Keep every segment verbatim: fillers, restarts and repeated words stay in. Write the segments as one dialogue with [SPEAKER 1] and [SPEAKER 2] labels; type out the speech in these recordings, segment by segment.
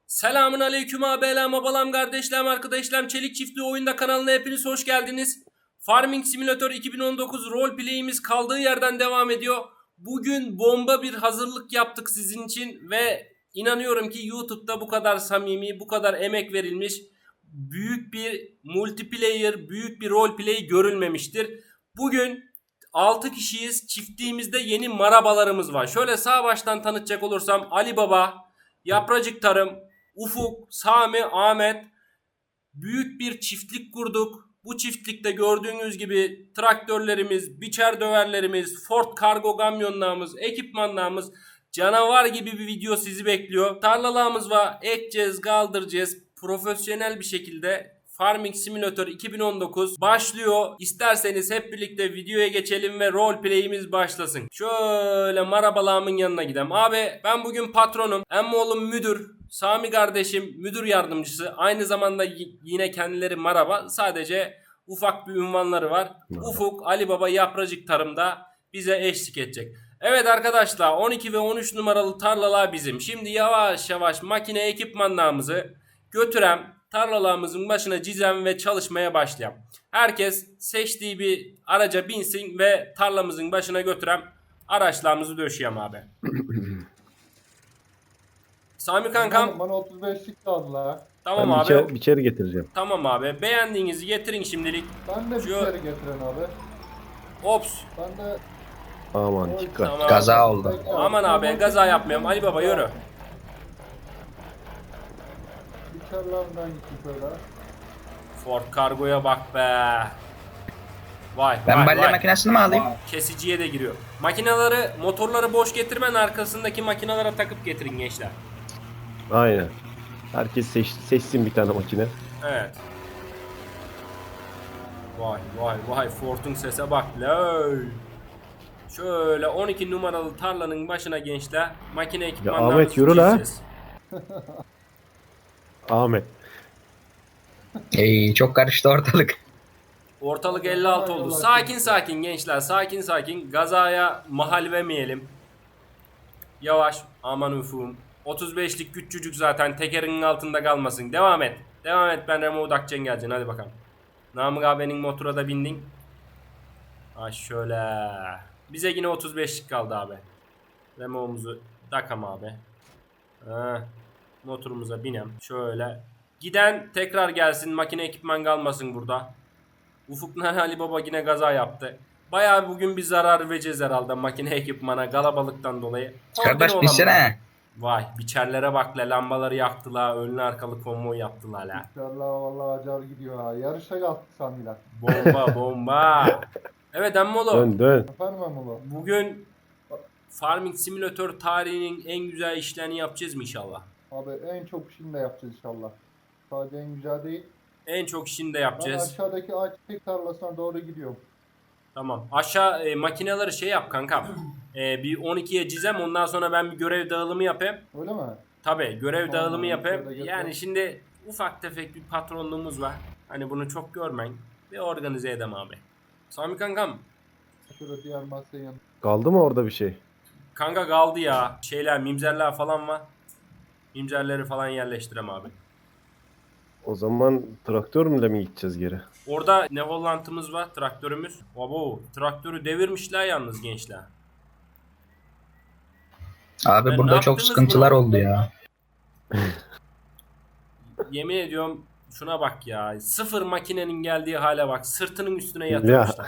[SPEAKER 1] Selamun aleyküm abilerim, abalam, kardeşlerim, arkadaşlarım. Çelik Çiftliği Oyunda kanalına hepiniz hoş geldiniz. Farming Simulator iki bin on dokuz roleplay'imiz kaldığı yerden devam ediyor. Bugün bomba bir hazırlık yaptık sizin için ve inanıyorum ki YouTube'da bu kadar samimi, bu kadar emek verilmiş büyük bir multiplayer, büyük bir roleplay görülmemiştir. Bugün altı kişiyiz. Çiftliğimizde yeni marabalarımız var. Şöyle sağ baştan tanıtacak olursam Ali Baba, Yapracık Tarım, Ufuk, Sami, Ahmet, büyük bir çiftlik kurduk. Bu çiftlikte gördüğünüz gibi traktörlerimiz, biçer döverlerimiz, Ford kargo kamyonlarımız, ekipmanlarımız, canavar gibi bir video sizi bekliyor. Tarlalarımız var, ekeceğiz, kaldıracağız. Profesyonel bir şekilde Farming Simulator iki bin on dokuz başlıyor. İsterseniz hep birlikte videoya geçelim ve roleplay'imiz başlasın. Şöyle marabalamın yanına gidelim. Abi ben bugün patronum. Emmoğlum müdür. Sami kardeşim müdür yardımcısı. Aynı zamanda yine kendileri maraba. Sadece ufak bir ünvanları var. Merhaba. Ufuk, Ali Baba, Yapracık Tarım'da bize eşlik edecek. Evet arkadaşlar, on iki ve on üç numaralı tarlalar bizim. Şimdi yavaş yavaş makine ekipmanlarımızı götürem, tarlalarımızın başına cizem ve çalışmaya başlayalım. Herkes seçtiği bir araca binsin ve tarlamızın başına götürem, araçlarımızı döşeyem abi. Sami kankam.
[SPEAKER 2] Bana otuz beşlik kaldılar.
[SPEAKER 1] Tamam
[SPEAKER 3] ben
[SPEAKER 1] abi.
[SPEAKER 3] Biçer, biçeri getireceğim.
[SPEAKER 1] Tamam abi. Beğendiğinizi getirin şimdilik.
[SPEAKER 2] Ben de
[SPEAKER 1] Şu...
[SPEAKER 2] biçeri getiren abi.
[SPEAKER 1] Ops.
[SPEAKER 2] Ben de...
[SPEAKER 3] Aman dikkat.
[SPEAKER 1] Tamam.
[SPEAKER 4] Gaza oldu.
[SPEAKER 2] Peki,
[SPEAKER 1] Aman abi gaza yapmayalım. Ali Baba yürü.
[SPEAKER 2] Biçerlerden gittim şöyle.
[SPEAKER 1] Ford kargoya bak be. Vay
[SPEAKER 4] Ben
[SPEAKER 1] vay
[SPEAKER 4] balya
[SPEAKER 1] vay.
[SPEAKER 4] makinesini mi alayım?
[SPEAKER 1] Kesiciye de giriyor. Makineleri, motorları boş getirmen, arkasındaki makinelere takıp getirin gençler.
[SPEAKER 3] Aynen. Herkes seç, seçsin bir tane makine.
[SPEAKER 1] Evet. Vay vay vay, Ford'un sese bak lay. Şöyle on iki numaralı tarlanın başına gençler makine ekipmanlarını
[SPEAKER 3] Ahmet, yürü la.
[SPEAKER 1] süreceğiz.
[SPEAKER 3] Ahmet.
[SPEAKER 4] Ey, çok karıştı ortalık.
[SPEAKER 1] Ortalık elli altı oldu. Sakin sakin gençler, sakin sakin. Gazaya mahal vermeyelim. Yavaş, aman ufum. otuz beşlik küçücük zaten, tekerinin altında kalmasın. Devam et. Devam et, ben Remo Udakçen geleceksin, hadi bakalım. Namık abinin motora da bindin. Ha şöyle. Bize yine otuz beşlik kaldı abi. Remo'muzu takam abi. Ha, motorumuza binem. Şöyle. Giden tekrar gelsin, makine ekipman kalmasın burada. Ufuk'la Ali Baba yine gaza yaptı. Bayağı bugün bir zarar vereceğiz herhalde makine ekipmana, kalabalıktan dolayı.
[SPEAKER 4] Kardeş binsene.
[SPEAKER 1] Vay biçerlere bak la, lambaları yaktılar, önlü arkalı konvoy yaptılar la.
[SPEAKER 2] Biçerler vallahi acar gidiyor ha. Yarışa kalktık Sami'yle.
[SPEAKER 1] Bomba bomba. Evet Emmolo.
[SPEAKER 3] Dön dön.
[SPEAKER 2] Efendim Emulu?
[SPEAKER 1] Bugün Farming Simulator tarihinin en güzel işlerini yapacağız mı inşallah?
[SPEAKER 2] Abi en çok işini de yapacağız inşallah. Sadece en güzel değil.
[SPEAKER 1] En çok işini de
[SPEAKER 2] Ben
[SPEAKER 1] yapacağız.
[SPEAKER 2] aşağıdaki ayçiçek tarlasına doğru gidiyorum.
[SPEAKER 1] Tamam. Aşağı e, makineleri şey yap kankam. E, bir on ikiye cizem, ondan sonra ben bir görev dağılımı yapayım.
[SPEAKER 2] Öyle mi?
[SPEAKER 1] Tabii görev
[SPEAKER 2] Tamam,
[SPEAKER 1] dağılımı yapayım.
[SPEAKER 2] şöyle
[SPEAKER 1] Yani
[SPEAKER 2] götür.
[SPEAKER 1] şimdi ufak tefek bir patronluğumuz var. Hani bunu çok görmeyin. Bir organize edem abi. Sami kankam.
[SPEAKER 2] Şurada diğer masaya yan.
[SPEAKER 3] Kaldı mı orada bir şey?
[SPEAKER 1] Kanka kaldı ya. Şeyler, mimzerler falan var. Mimzerleri falan yerleştirem abi.
[SPEAKER 3] O zaman traktörle mi gideceğiz geri?
[SPEAKER 1] Orada ne Holland'ımız var, traktörümüz. Abo, traktörü devirmişler yalnız gençler.
[SPEAKER 4] Abi
[SPEAKER 1] Ben ne
[SPEAKER 4] burada çok
[SPEAKER 1] yaptınız
[SPEAKER 4] sıkıntılar
[SPEAKER 1] bunu?
[SPEAKER 4] oldu ya.
[SPEAKER 1] Yemin ediyorum şuna bak ya. Sıfır makinenin geldiği hale bak. Sırtının üstüne yatırmışlar.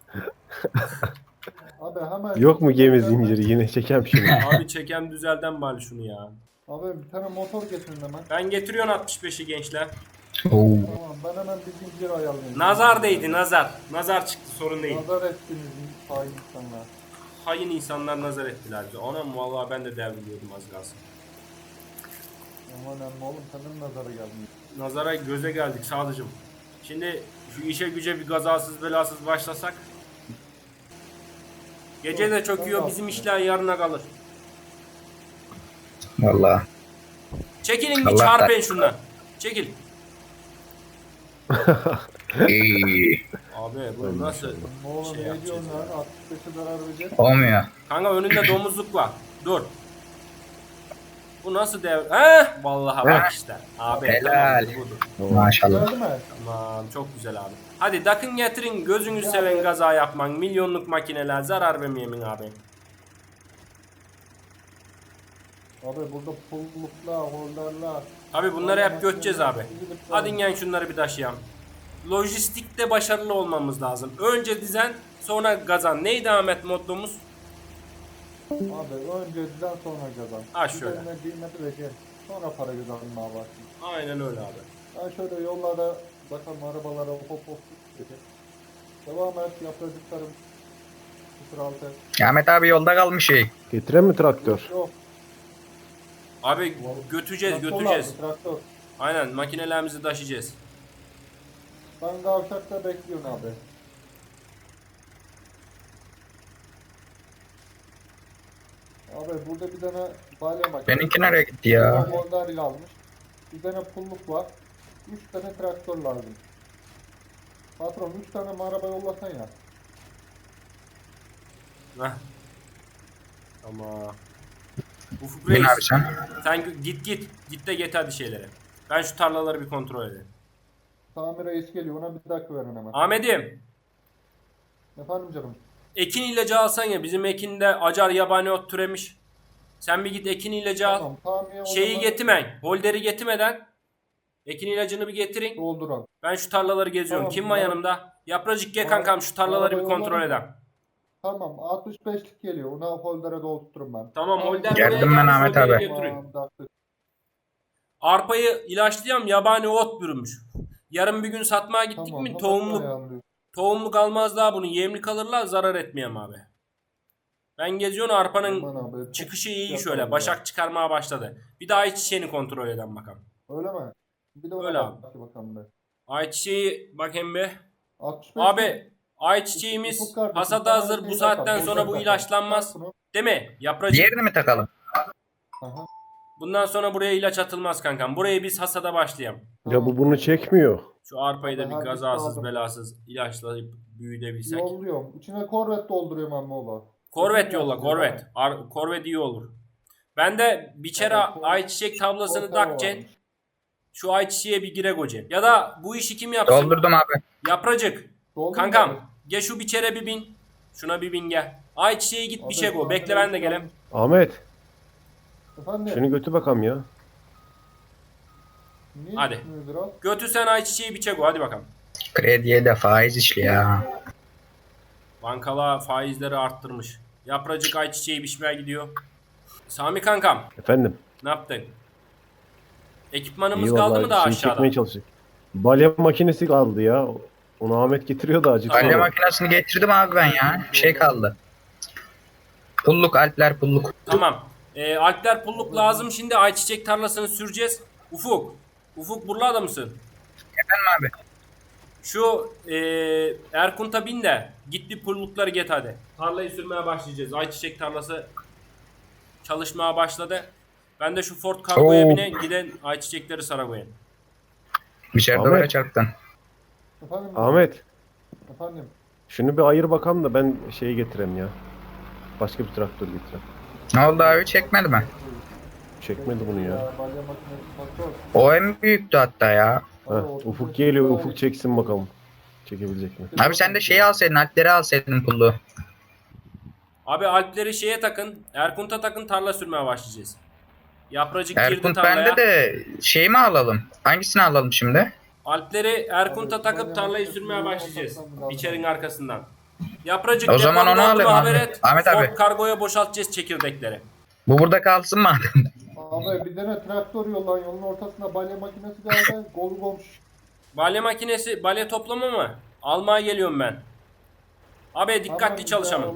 [SPEAKER 2] Abi hemen...
[SPEAKER 3] Yok mu gemi zinciri, yine çekem şunu.
[SPEAKER 1] Abi çeken düzelden bari şunu ya.
[SPEAKER 2] Abi bir tane motor getirin hemen.
[SPEAKER 1] Ben getiriyorum altmış beşi gençler.
[SPEAKER 4] Oo.
[SPEAKER 2] Tamam ben hemen bir zincir ayarlayayım.
[SPEAKER 1] Nazar değdi, nazar. Nazar çıktı, sorun değil.
[SPEAKER 2] Nazar ettiniz hain insanlar.
[SPEAKER 1] Hain insanlar nazar ettiler bize. Anam vallahi ben de devriliyordum az kalsın.
[SPEAKER 2] Aman emmi oğlum senin nazara gelmiyor.
[SPEAKER 1] Nazara göze geldik sadıcım. Şimdi şu işe güce bir gazasız belasız başlasak. Gece de çöküyor, bizim işler yarına kalır.
[SPEAKER 4] Vallahi.
[SPEAKER 1] Çekilin bir
[SPEAKER 4] Allah
[SPEAKER 1] çarpın şundan. Çekil.
[SPEAKER 4] Ey.
[SPEAKER 1] Abi bu nasıl?
[SPEAKER 2] Oğlum
[SPEAKER 1] Şey
[SPEAKER 2] ne
[SPEAKER 1] yapacağız
[SPEAKER 2] diyorsun
[SPEAKER 1] ya.
[SPEAKER 2] lan? altmış beşe zarar verecek.
[SPEAKER 4] Olmuyor.
[SPEAKER 1] Kanka önünde domuzluk var. Dur. Bu nasıl dev? Heh, vallahi bak işte. Abi
[SPEAKER 4] Helal.
[SPEAKER 1] tamam, budur.
[SPEAKER 4] Maşallah.
[SPEAKER 2] Geldi mi?
[SPEAKER 1] Tamam, çok güzel abi. Hadi dakın getirin, gözünü seven gaza yapman. Milyonluk makineler zarar vermeyemin abi.
[SPEAKER 2] Abi burada pulluklar, holderler.
[SPEAKER 1] Abi bunları hep göçeceğiz abi. Hadi gel şunları bir taşıyalım. Lojistikte başarılı olmamız lazım. Önce dizen, sonra gazan. Neydi Ahmet mottomuz?
[SPEAKER 2] Abi önce düzen sonra kazan.
[SPEAKER 1] Ha, şöyle.
[SPEAKER 2] Üzerine kıymet vereceğim. Sonra para kazanmaya başlayayım.
[SPEAKER 1] Aynen öyle abi.
[SPEAKER 2] Ben şöyle yollara bakalım arabalara hop hop gideceğim. Devam et yapacaklarım. sıfır altı.
[SPEAKER 4] Ahmet abi yolda kalmış şey.
[SPEAKER 3] Getiren mi traktör?
[SPEAKER 2] Yok.
[SPEAKER 1] Abi götüreceğiz,
[SPEAKER 2] Traktör
[SPEAKER 1] götüreceğiz.
[SPEAKER 2] lazım, Traktör.
[SPEAKER 1] Aynen makinelerimizi taşıyacağız.
[SPEAKER 2] Ben kavşakta bekliyorum abi. Abi burada bir tane balya makinesi.
[SPEAKER 4] Benimki nereye gitti ya?
[SPEAKER 2] Bir tane holder kalmış. Bir tane pulluk var. Üç tane traktör lazım. Patron üç tane mi araba yollasan ya.
[SPEAKER 1] Heh. Ama Ufuk
[SPEAKER 4] Bin
[SPEAKER 1] Reis,
[SPEAKER 4] abi sen.
[SPEAKER 1] sen git git. Git de get hadi şeyleri. Ben şu tarlaları bir kontrol edeyim.
[SPEAKER 2] Tamir reis geliyor ona bir dakika verin hemen.
[SPEAKER 1] Ahmet'im,
[SPEAKER 2] Efendim canım.
[SPEAKER 1] ekin ilacı alsan ya, bizim ekinde acar yabani ot türemiş. Sen bir git ekin ilacı al.
[SPEAKER 2] Tamam tamir
[SPEAKER 1] Şeyi
[SPEAKER 2] olmadan
[SPEAKER 1] getirmeyin. Holderi getirmeden ekin ilacını bir getirin.
[SPEAKER 2] dolduran.
[SPEAKER 1] Ben şu tarlaları geziyorum.
[SPEAKER 2] Tamam,
[SPEAKER 1] Kim var
[SPEAKER 2] tamam.
[SPEAKER 1] yanımda? Yapracık gel
[SPEAKER 2] Tamam.
[SPEAKER 1] kankam, şu tarlaları bir
[SPEAKER 2] Arabayı
[SPEAKER 1] kontrol
[SPEAKER 2] yolladım.
[SPEAKER 1] edem.
[SPEAKER 2] Tamam altmış beşlik geliyor. Ona holdere doldurturum ben.
[SPEAKER 1] Tamam, holder
[SPEAKER 4] Geldim
[SPEAKER 1] buraya
[SPEAKER 4] ben
[SPEAKER 1] gelmiş,
[SPEAKER 4] Ahmet
[SPEAKER 1] holderi
[SPEAKER 4] abi.
[SPEAKER 1] götürün.
[SPEAKER 2] Tamam, dakika.
[SPEAKER 1] Arpayı ilaçlayam, yabani ot bürümüş. Yarın bir gün satmaya gittik
[SPEAKER 2] Tamam,
[SPEAKER 1] mi
[SPEAKER 2] hemen
[SPEAKER 1] tohumluk
[SPEAKER 2] ayarlıyorum.
[SPEAKER 1] tohumluk almaz daha bunu. Yemlik alırlar, zarar etmeyem abi. Ben geziyorum, arpanın
[SPEAKER 2] Aman abi, çok
[SPEAKER 1] çıkışı iyi
[SPEAKER 2] yapalım
[SPEAKER 1] şöyle.
[SPEAKER 2] ya.
[SPEAKER 1] Başak çıkarmaya başladı. Bir daha ayçiçeğini kontrol eden bakalım.
[SPEAKER 2] Öyle mi? Bir de ona
[SPEAKER 1] Öyle
[SPEAKER 2] bak
[SPEAKER 1] abi.
[SPEAKER 2] bakalım be.
[SPEAKER 1] Ayçiçeği bakayım bir.
[SPEAKER 2] altmış beş
[SPEAKER 1] Abi ayçiçeğimiz
[SPEAKER 2] Ufuk kardeşim,
[SPEAKER 1] hasada
[SPEAKER 2] sana
[SPEAKER 1] hazır.
[SPEAKER 2] şey
[SPEAKER 1] Bu saatten
[SPEAKER 2] bakalım,
[SPEAKER 1] sonra bu
[SPEAKER 2] bakalım.
[SPEAKER 1] ilaçlanmaz.
[SPEAKER 2] Bak bunu.
[SPEAKER 1] Değil mi? Yapracık.
[SPEAKER 4] Diğerini mi takalım?
[SPEAKER 2] Aha.
[SPEAKER 1] Bundan sonra buraya ilaç atılmaz kankam. Burayı biz hasada başlayalım.
[SPEAKER 3] Ya bu bunu çekmiyor.
[SPEAKER 1] Şu arpayı da
[SPEAKER 2] Abi,
[SPEAKER 1] bir
[SPEAKER 2] her
[SPEAKER 1] gazasız
[SPEAKER 2] bir
[SPEAKER 1] belasız ilaçlayıp büyütebilsek.
[SPEAKER 2] Yolluyorum. İçine korvet dolduruyorum amma ola.
[SPEAKER 1] Korvet yolla, korvet. Ar korvet iyi olur. Ben de biçere
[SPEAKER 2] Evet, korvet.
[SPEAKER 1] ayçiçek tablasını
[SPEAKER 2] Korvet
[SPEAKER 1] takcen.
[SPEAKER 2] varmış.
[SPEAKER 1] Şu ayçiçeğe bir gire gocen. Ya da bu işi kim yapsın?
[SPEAKER 4] Doldurdum abi.
[SPEAKER 1] Yapracık.
[SPEAKER 2] Doldu mu
[SPEAKER 1] Kankam
[SPEAKER 2] abi?
[SPEAKER 1] gel şu biçere bir bin. Şuna bir bin gel. Ayçiçeğe git
[SPEAKER 2] Abi,
[SPEAKER 1] bir şey go.
[SPEAKER 2] tamir
[SPEAKER 1] Bekle ben de
[SPEAKER 2] reis
[SPEAKER 1] gelem.
[SPEAKER 2] gelmiş.
[SPEAKER 3] Ahmet
[SPEAKER 2] Efendim?
[SPEAKER 3] şunu götü bakalım ya.
[SPEAKER 2] Niye
[SPEAKER 1] Hadi.
[SPEAKER 2] gitmiyordur al?
[SPEAKER 1] Götür sen ayçiçeği biçe go. Hadi bakalım.
[SPEAKER 4] Krediye de faiz işliyor ya.
[SPEAKER 1] Bankalar faizleri arttırmış. Yapracık ayçiçeği biçmeye gidiyor. Sami kankam
[SPEAKER 3] Efendim.
[SPEAKER 1] ne yaptın? Ekipmanımız
[SPEAKER 3] İyi
[SPEAKER 1] kaldı
[SPEAKER 3] vallahi
[SPEAKER 1] mı daha
[SPEAKER 3] şey
[SPEAKER 1] aşağıda?
[SPEAKER 3] çekmeye çalışacak. Balya makinesi kaldı ya. Onu Ahmet getiriyor da acık
[SPEAKER 4] Balya
[SPEAKER 3] sonra.
[SPEAKER 4] makinesini getirdim abi ben ya. Bir şey kaldı. Pulluk Alpler pulluk.
[SPEAKER 1] Tamam. Ee, Alpler pulluk lazım. Şimdi ayçiçek tarlasını süreceğiz. Ufuk. Ufuk buralarda mısın?
[SPEAKER 4] Efendim abi.
[SPEAKER 1] Şu e, Erkunt'a bin de git bir pullukları get hadi. Tarlayı sürmeye başlayacağız. Ayçiçek tarlası çalışmaya başladı. Ben de şu Ford Cargo'ya
[SPEAKER 4] Oo.
[SPEAKER 1] bine giden ayçiçekleri sana koyayım.
[SPEAKER 4] İçeride
[SPEAKER 3] Ahmet.
[SPEAKER 4] böyle çarptın.
[SPEAKER 2] Efendim?
[SPEAKER 3] Ahmet
[SPEAKER 2] Efendim?
[SPEAKER 3] şunu bir ayır bakalım da ben şeyi getireyim ya. Başka bir traktör getireyim.
[SPEAKER 4] Ne oldu abi çekmedi mi?
[SPEAKER 3] Çekmedi bunu ya.
[SPEAKER 2] Balya makinesi faktör.
[SPEAKER 4] O en büyüktü hatta ya.
[SPEAKER 3] Heh, Ufuk geliyor. Ufuk çeksin bakalım. Çekebilecek mi?
[SPEAKER 4] Abi sen de şeyi alsaydın Alpleri alsaydın pulluğu.
[SPEAKER 1] Abi Alpleri şeye takın. Erkunt'a takın, tarla sürmeye başlayacağız. Yapracık girdi
[SPEAKER 4] Erkunt
[SPEAKER 1] tarlaya.
[SPEAKER 4] bende de şey mi alalım? Hangisini alalım şimdi?
[SPEAKER 1] Alpleri Erkunt'a takıp tarlayı sürmeye başlayacağız. Biçerin arkasından. Yapracık
[SPEAKER 4] O zaman
[SPEAKER 1] deponun
[SPEAKER 4] onu
[SPEAKER 1] olduğunu
[SPEAKER 4] alayım
[SPEAKER 1] haber
[SPEAKER 4] abi.
[SPEAKER 1] et.
[SPEAKER 4] Ahmet
[SPEAKER 1] Ford
[SPEAKER 4] abi.
[SPEAKER 1] Cargo'ya boşaltacağız çekirdekleri.
[SPEAKER 4] Bu burada kalsın mı adam?
[SPEAKER 2] Abi bir tane traktör yollan yolun ortasına balya makinesi geldi. Golu komş.
[SPEAKER 1] Balya makinesi, balya toplama mı? Almaya geliyorum ben. Abi dikkatli çalışalım.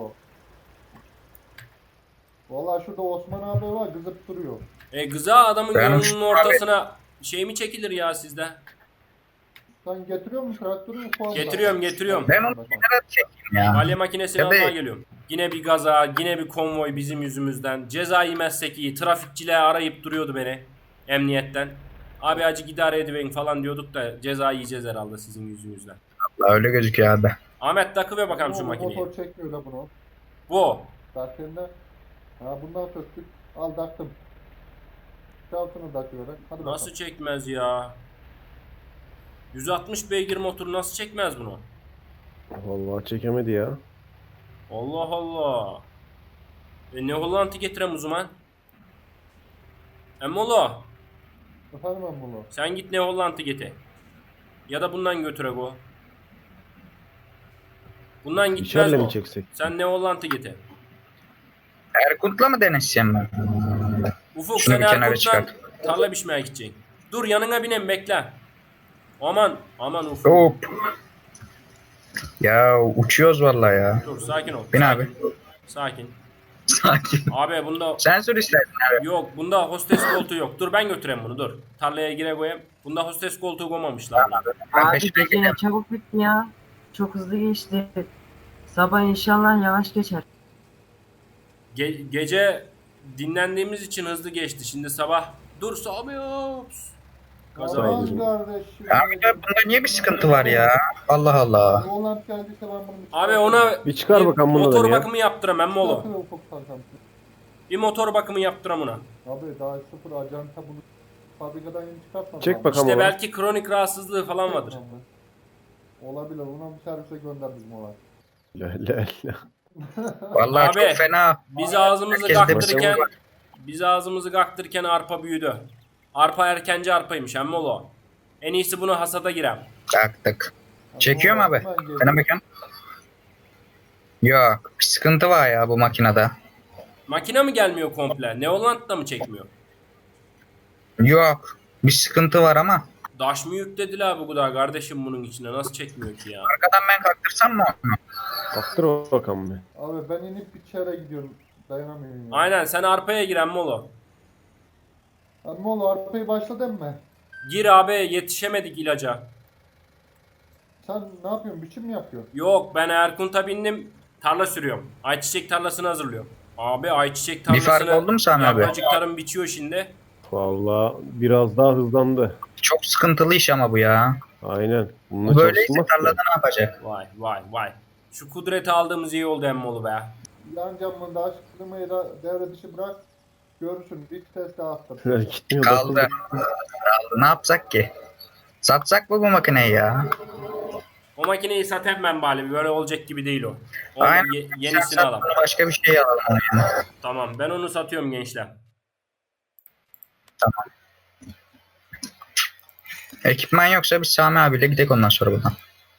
[SPEAKER 2] Valla şurada Osman abi var kızıp duruyor.
[SPEAKER 1] E gıza adamın
[SPEAKER 4] Ben
[SPEAKER 1] yolunun
[SPEAKER 4] uçtum
[SPEAKER 1] ortasına şey mi çekilir ya sizde?
[SPEAKER 2] Sen getiriyor musun traktörü ufak?
[SPEAKER 1] Getiriyorum, getiriyorum.
[SPEAKER 4] Ben onu kenara çekeyim ya.
[SPEAKER 1] Balya makinesini
[SPEAKER 4] Ya da-
[SPEAKER 1] almaya geliyorum. Yine bir gaza, yine bir konvoy bizim yüzümüzden. Ceza yemezsek iyi. Trafikçiler arayıp duruyordu beni. Emniyetten. Abi acı idare ediverin falan diyorduk da ceza yiyeceğiz herhalde sizin yüzünüzden.
[SPEAKER 4] Vallahi öyle gözüküyor abi.
[SPEAKER 1] Ahmet takı ver bakalım şu
[SPEAKER 2] Bu
[SPEAKER 1] makineyi.
[SPEAKER 2] Motor çekmiyor la bunu.
[SPEAKER 1] Bu.
[SPEAKER 2] Zaten de. Ha bundan söktük. Al taktım. altını takıyorum. Hadi
[SPEAKER 1] Nasıl
[SPEAKER 2] bakalım.
[SPEAKER 1] çekmez ya? yüz altmış beygir motor nasıl çekmez bunu?
[SPEAKER 3] Vallahi çekemedi ya.
[SPEAKER 1] Allah Allah. E ne Hollant'ı getirem o zaman? Emmolo
[SPEAKER 2] Efendim ben bunu.
[SPEAKER 1] sen git ne Hollant'ı getir. Ya da bundan götürek o. Bundan gitmez
[SPEAKER 3] İçerle
[SPEAKER 1] o.
[SPEAKER 3] mi çeksek?
[SPEAKER 1] Sen ne Hollant'ı getir.
[SPEAKER 4] Erkut'la mı deneseceğim ben?
[SPEAKER 1] Ufuk
[SPEAKER 4] Şunu
[SPEAKER 1] sen
[SPEAKER 4] bir kenara
[SPEAKER 1] Erkut'la
[SPEAKER 4] çıkart.
[SPEAKER 1] tarla biçmeye gideceksin. Dur yanına binem bekle. Aman aman Ufuk.
[SPEAKER 4] Hop. Ya uçuyoruz vallahi ya.
[SPEAKER 1] Dur sakin ol.
[SPEAKER 4] Bin
[SPEAKER 1] sakin.
[SPEAKER 4] abi.
[SPEAKER 1] Sakin.
[SPEAKER 4] Sakin.
[SPEAKER 1] Abi bunda
[SPEAKER 4] Sen sür istersen abi.
[SPEAKER 1] yok bunda hostes koltuğu yok. Dur ben götüreyim bunu dur. Tarlaya gire koyayım. Bunda hostes koltuğu koymamışlar. buna.
[SPEAKER 4] Ben
[SPEAKER 5] Abi
[SPEAKER 4] peşine
[SPEAKER 5] gece ne çabuk bitti ya. Çok hızlı geçti. Sabah inşallah yavaş geçer.
[SPEAKER 1] Ge- gece dinlendiğimiz için hızlı geçti. Şimdi sabah dur Sami ops. Gaza
[SPEAKER 2] Aman
[SPEAKER 3] verdim.
[SPEAKER 2] kardeşim.
[SPEAKER 4] Abi ya bunda niye bir sıkıntı var ya? Allah Allah.
[SPEAKER 2] Holland geldiyse ben bunu
[SPEAKER 1] Abi ona
[SPEAKER 3] Bir çıkar bakalım bunu da
[SPEAKER 1] motor
[SPEAKER 3] bir ya.
[SPEAKER 1] bakımı yaptıram emmi oğlum.
[SPEAKER 2] Çıkartın ufuk kankam.
[SPEAKER 1] Bir motor bakımı yaptıram ona.
[SPEAKER 2] Abi daha sıfır acanta bunu fabrikadan yeni çıkartmadım.
[SPEAKER 3] Çek
[SPEAKER 2] abi.
[SPEAKER 3] bakalım.
[SPEAKER 1] İşte
[SPEAKER 3] onu.
[SPEAKER 1] belki kronik rahatsızlığı falan vardır.
[SPEAKER 2] Olabilir. Buna bir servise gönder bizim olay.
[SPEAKER 3] La la la.
[SPEAKER 4] Vallahi
[SPEAKER 1] Abi,
[SPEAKER 4] çok fena.
[SPEAKER 1] Biz ağzımızı
[SPEAKER 4] Herkeste bir
[SPEAKER 1] kaktırırken
[SPEAKER 4] sorun var.
[SPEAKER 1] biz ağzımızı kaktırırken arpa büyüdü. Arpa erkenci arpaymış emmi oğlum. En iyisi bunu hasada girem.
[SPEAKER 4] Taktık. Çekiyor mu abi?
[SPEAKER 2] Hemen geliyor.
[SPEAKER 4] Bana bakın. Yok. Bir sıkıntı var ya bu makinede.
[SPEAKER 1] Makine mi gelmiyor komple? Neoland da mı çekmiyor?
[SPEAKER 4] Yok. Bir sıkıntı var ama.
[SPEAKER 1] Daş mı yüklediler bu kadar kardeşim bunun içine? Nasıl çekmiyor ki ya?
[SPEAKER 4] Arkadan ben kalktırsam mı onu?
[SPEAKER 3] Baktır o bakalım bir.
[SPEAKER 2] Abi ben inip bir çere gidiyorum. Dayanamıyorum ya.
[SPEAKER 1] Aynen sen arpaya gir emmi oğlum.
[SPEAKER 2] Ama oğlum arpayı başladın mı?
[SPEAKER 1] Gir abi yetişemedik ilaca.
[SPEAKER 2] Sen ne yapıyorsun? Biçim mi yapıyorsun?
[SPEAKER 1] Yok ben Erkunt'a bindim tarla sürüyorum. Ayçiçek tarlasını hazırlıyorum. Abi ayçiçek
[SPEAKER 4] Bir
[SPEAKER 1] tarlasını
[SPEAKER 4] fark oldu mu Sami abi?
[SPEAKER 1] yapracık tarım biçiyor şimdi.
[SPEAKER 3] Vallahi biraz daha hızlandı.
[SPEAKER 4] Çok sıkıntılı iş ama bu ya.
[SPEAKER 3] Aynen. Bununla
[SPEAKER 4] Bu böyleyse
[SPEAKER 3] çalışılmaz ki.
[SPEAKER 4] tarlada ne yapacak?
[SPEAKER 1] Vay vay vay. Şu kudreti aldığımız iyi oldu emmoğlu be.
[SPEAKER 2] Yan camında aç klimayı da devre dışı bırak. Görürsün. Bir test daha attım.
[SPEAKER 3] Gitmiyor.
[SPEAKER 4] Kaldı.
[SPEAKER 3] dokuz-
[SPEAKER 4] Kaldı. Ne yapsak ki? Satsak mı bu makineyi ya?
[SPEAKER 1] O makineyi satayım ben bari. Böyle olacak gibi değil o. Onu
[SPEAKER 4] Aynen.
[SPEAKER 1] ye-
[SPEAKER 4] Sen
[SPEAKER 1] yenisini
[SPEAKER 4] sat,
[SPEAKER 1] alalım.
[SPEAKER 4] bunu başka bir şey alalım. onu yani.
[SPEAKER 1] Tamam ben onu satıyorum gençler.
[SPEAKER 4] Ekipman yoksa biz Sami abiyle gidelim ondan sonra buradan.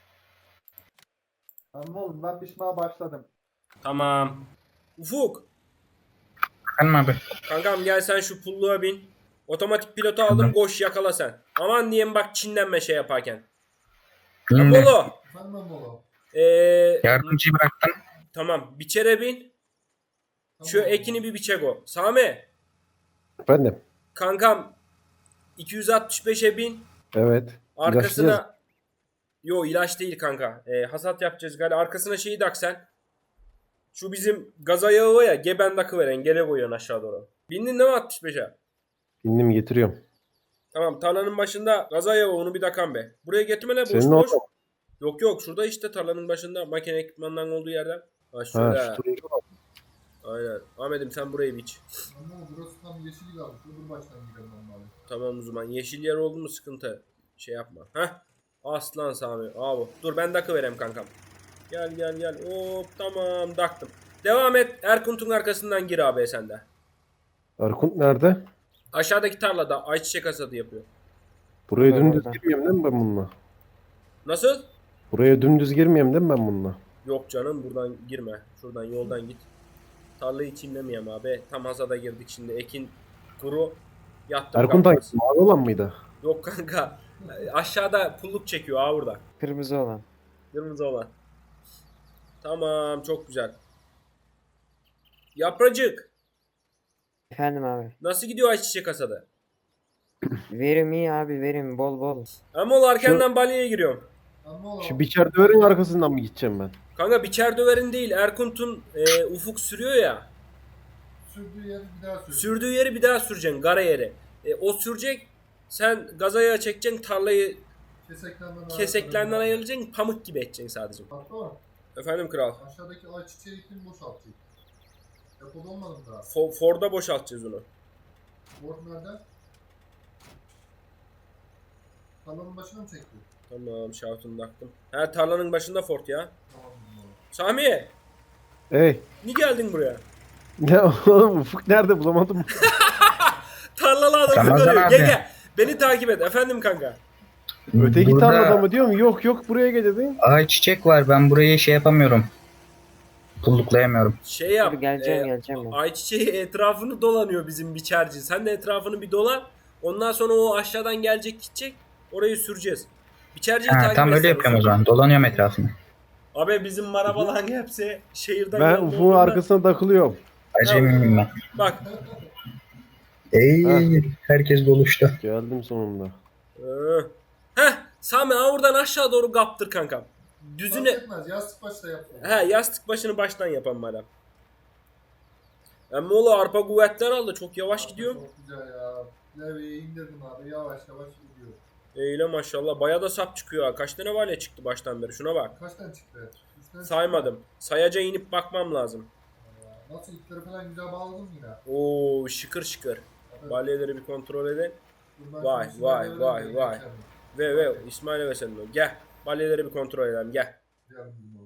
[SPEAKER 2] Ama oğlum ben biçmeye başladım.
[SPEAKER 1] Tamam. Ufuk.
[SPEAKER 4] Efendim abi.
[SPEAKER 1] Kankam gel sen şu pulluğa bin. Otomatik pilotu aldım koş yakala sen. Aman diyeyim bak çinlenme şey yaparken.
[SPEAKER 4] Şimdi
[SPEAKER 1] Apollo.
[SPEAKER 2] Efendim oğlum.
[SPEAKER 1] Ee,
[SPEAKER 4] yardımcıyı bıraktım.
[SPEAKER 1] tamam biçere bin. Şu ekini bir biçek o. Sami.
[SPEAKER 3] Efendim.
[SPEAKER 1] Kankam iki yüz altmış beşe bin.
[SPEAKER 3] Evet. İlaçlayacağız.
[SPEAKER 1] Arkasına yo ilaç değil kanka. Ee, hasat yapacağız galiba. Arkasına şeyi tak sen. Şu bizim gaz ayağı var ya geben takı veren gele koyuyorsun aşağı doğru. Bindin değil mi altmış beşe?
[SPEAKER 3] İndim getiriyorum.
[SPEAKER 1] Tamam tarlanın başında gaz ayağı var, onu bir takan be. Buraya getirme ne boş
[SPEAKER 3] Senin
[SPEAKER 1] boş.
[SPEAKER 3] orada mı?
[SPEAKER 1] Yok yok şurada işte tarlanın başında makine ekipmanların olduğu yerden. Ha
[SPEAKER 3] Ha
[SPEAKER 1] şöyle.
[SPEAKER 3] şu turuncu var.
[SPEAKER 1] Aynen. Ahmet'im sen burayı biç.
[SPEAKER 2] Ama burası tam yeşil kalmış. Öbür baştan gidelim normalde.
[SPEAKER 1] Tamam o zaman. Yeşil yer oldu mu sıkıntı. Şey yapma. Heh. Aslan Sami. Abi. Dur ben dakı vereyim kankam. Gel gel gel. Hop tamam daktım. Devam et. Erkunt'un arkasından gir abi sen de.
[SPEAKER 3] Erkunt nerede?
[SPEAKER 1] Aşağıdaki tarlada ayçiçek hasadı yapıyor.
[SPEAKER 3] Buraya
[SPEAKER 5] Orada,
[SPEAKER 3] dümdüz
[SPEAKER 5] orada.
[SPEAKER 3] girmeyeyim değil mi ben bununla?
[SPEAKER 1] Nasıl?
[SPEAKER 3] Buraya dümdüz girmeyeyim değil mi ben bununla?
[SPEAKER 1] Yok canım buradan girme. Şuradan yoldan git. Tarlayı çimlemeyeyim abi. Tam hasada girdik şimdi. Ekin kuru. Yattım
[SPEAKER 3] Erkunt
[SPEAKER 1] kalkmaz.
[SPEAKER 3] hangisi? Mavi olan mıydı?
[SPEAKER 1] Yok kanka. Aşağıda pulluk çekiyor ha burada.
[SPEAKER 5] Kırmızı olan.
[SPEAKER 1] Kırmızı olan. Tamam çok güzel. Yapracık.
[SPEAKER 5] Efendim abi.
[SPEAKER 1] Nasıl gidiyor ayçiçek hasadı?
[SPEAKER 5] Verim iyi abi verim bol bol.
[SPEAKER 1] Ama ol arkandan balyaya giriyorum.
[SPEAKER 2] Ama oğlum.
[SPEAKER 3] Şu biçer döverin arkasından mı gideceğim ben?
[SPEAKER 1] Kanka biçer döverin değil Erkunt'un e, ufuk sürüyor ya.
[SPEAKER 2] Sürdüğü yeri bir daha sür.
[SPEAKER 1] Sürdüğü yeri bir daha süreceksin gara yeri. E, o sürecek. Sen gazaya çekeceksin tarlayı
[SPEAKER 2] Keseklerden
[SPEAKER 1] keseklerinden ayıracaksın pamuk gibi edeceksin sadece.
[SPEAKER 2] Patron.
[SPEAKER 1] Efendim kral.
[SPEAKER 2] Aşağıdaki ayçiçeği kim boşaltacak? Depoda olmadı mı daha?
[SPEAKER 1] Fo- Ford'a boşaltacağız onu.
[SPEAKER 2] Ford nerede? Tarlanın başına mı çektin?
[SPEAKER 1] Tamam şaftını taktım. He tarlanın başında Ford ya.
[SPEAKER 2] Tamam.
[SPEAKER 1] Sami
[SPEAKER 3] Ey.
[SPEAKER 1] ni geldin buraya?
[SPEAKER 3] Ne oğlum Ufuk nerede bulamadım.
[SPEAKER 1] Tarlalı adamı
[SPEAKER 4] Ramazan
[SPEAKER 1] görüyor.
[SPEAKER 4] abi.
[SPEAKER 1] Gel gel. Beni takip et efendim kanka.
[SPEAKER 3] Öteki
[SPEAKER 4] Burada
[SPEAKER 3] tarlada mı diyorum? Yok yok buraya gel dedin.
[SPEAKER 4] ayçiçek var. Ben burayı şey yapamıyorum. Pulluklayamıyorum.
[SPEAKER 1] Şey yap.
[SPEAKER 6] Dur, geleceğim,
[SPEAKER 1] e,
[SPEAKER 6] geleceğim ben.
[SPEAKER 1] Ayçiçeği etrafını dolanıyor bizim biçerci. Sen de etrafını bir dolan. Ondan sonra o aşağıdan gelecek gidecek. Orayı süreceğiz. Biçerciyi
[SPEAKER 4] Ha,
[SPEAKER 1] takip
[SPEAKER 4] tam öyle
[SPEAKER 1] etsene
[SPEAKER 4] yapıyorum o
[SPEAKER 1] Ufuk.
[SPEAKER 4] zaman. Dolanıyorum etrafını.
[SPEAKER 1] Abi bizim marabaların hepsi şehirden
[SPEAKER 3] Ben
[SPEAKER 1] geldi
[SPEAKER 3] Ufuk'un
[SPEAKER 1] olduğunda-
[SPEAKER 3] arkasına takılıyorum.
[SPEAKER 4] Acemiyim ben.
[SPEAKER 1] Bak.
[SPEAKER 4] Ey
[SPEAKER 3] Ha.
[SPEAKER 4] herkes doluştu.
[SPEAKER 3] Geldim sonunda.
[SPEAKER 1] Ee, Heh Sami ha oradan aşağı doğru kaptır kankam. Düzüne.
[SPEAKER 2] Fark etmez. Yastık başta yaptım.
[SPEAKER 1] He yastık başını baştan yapan madem. Ama oğlu arpa kuvvetler aldı. Çok yavaş gidiyor.
[SPEAKER 2] Çok güzel ya. Levyeyi indirdim abi. Yavaş yavaş gidiyor.
[SPEAKER 1] Eyle maşallah. Baya da sap çıkıyor ha. Kaç tane valya çıktı baştan beri? Şuna bak.
[SPEAKER 2] Kaç tane çıktı? Üç tane
[SPEAKER 1] Saymadım. Sayaca inip bakmam lazım.
[SPEAKER 2] çıktı ya. Nasıl ipleri falan güzel bağladın mı yine?
[SPEAKER 1] Oo şıkır şıkır.
[SPEAKER 2] Evet.
[SPEAKER 1] Balyaları bir kontrol edin.
[SPEAKER 2] Dur ben
[SPEAKER 1] Vay,
[SPEAKER 2] şimdi
[SPEAKER 1] vay,
[SPEAKER 2] İsmail'e
[SPEAKER 1] vay,
[SPEAKER 2] vereyim,
[SPEAKER 1] vay.
[SPEAKER 2] geçelim.
[SPEAKER 1] Ve ve İsmail'e ve senin o. Gel. Balyaları bir kontrol edelim. Gel.
[SPEAKER 2] Gel bunu.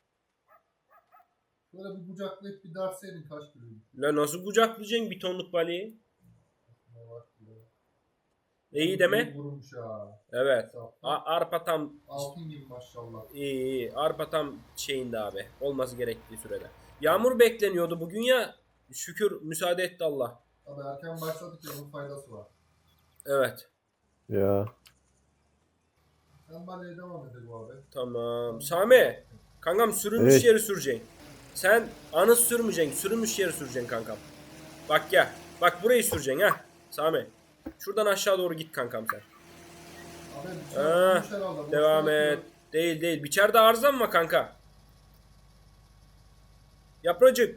[SPEAKER 2] Böyle bir kucaklayıp bir derseydin kaç kilo?
[SPEAKER 1] La nasıl kucaklayacaksın bir tonluk balyayı?
[SPEAKER 2] Ne var ki ya?
[SPEAKER 1] İyi deme.
[SPEAKER 2] İyi vurmuş ha.
[SPEAKER 1] Evet.
[SPEAKER 2] Saf.
[SPEAKER 1] A- arpa tam
[SPEAKER 2] Altın gibi maşallah.
[SPEAKER 1] iyi, iyi. Arpa tam şeyinde abi. Olması gerektiği sürede. Yağmur bekleniyordu bugün ya. Şükür müsaade etti Allah.
[SPEAKER 2] Abi erken başladık ya onun faydası var.
[SPEAKER 1] Evet.
[SPEAKER 3] Ya.
[SPEAKER 2] Sen balyaya devam edelim abi.
[SPEAKER 1] Tamam. Sami. Kankam sürülmüş
[SPEAKER 3] Evet.
[SPEAKER 1] yeri süreceksin. Sen anı sürmeyeceksin. Sürülmüş yeri süreceksin kankam. Bak gel. Bak burayı süreceksin ha. Sami. Şuradan aşağı doğru git kankam sen.
[SPEAKER 2] Abi bir
[SPEAKER 1] Ha,
[SPEAKER 2] şey olmuş herhalde.
[SPEAKER 1] Devam
[SPEAKER 2] Boşuna
[SPEAKER 1] et.
[SPEAKER 2] atıyor.
[SPEAKER 1] Değil değil. Biçerde arıza mı var kanka? Yapracık.